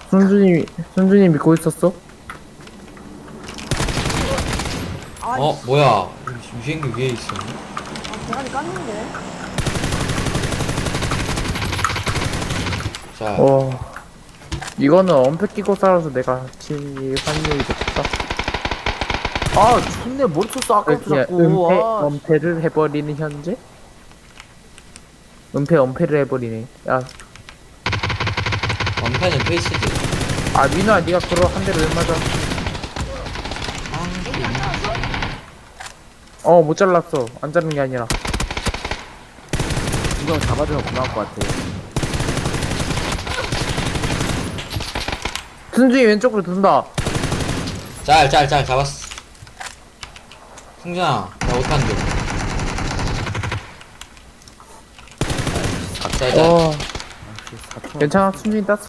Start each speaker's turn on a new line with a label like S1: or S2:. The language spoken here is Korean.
S1: 순준이 믿고 있었어?
S2: 아,
S3: 뭐야. 유생기 위에 있었네?
S2: 대가리 깠는데.
S3: 자,
S1: 이거는 엄폐 끼고 살아서 내가 질 확률이 높다.
S4: 아 존내 머리 쳤어 아까부터
S1: 그냥
S4: 자꾸. 아,
S1: 엄폐를 해버리는 현재? 엄폐를 해버리네. 야,
S3: 원패는 페이스지.
S1: 민호야, 네가 그러 한 대를 왜 맞아? 못 잘랐어. 안 자른 게 아니라.
S4: 이거 잡아주면 고마울 것 같아.
S1: 순준이 왼쪽으로 돈다.
S3: 짤, 잡았어. 승준아, 나 못하는데. 짤.
S1: 괜찮아, 순준이 땄어.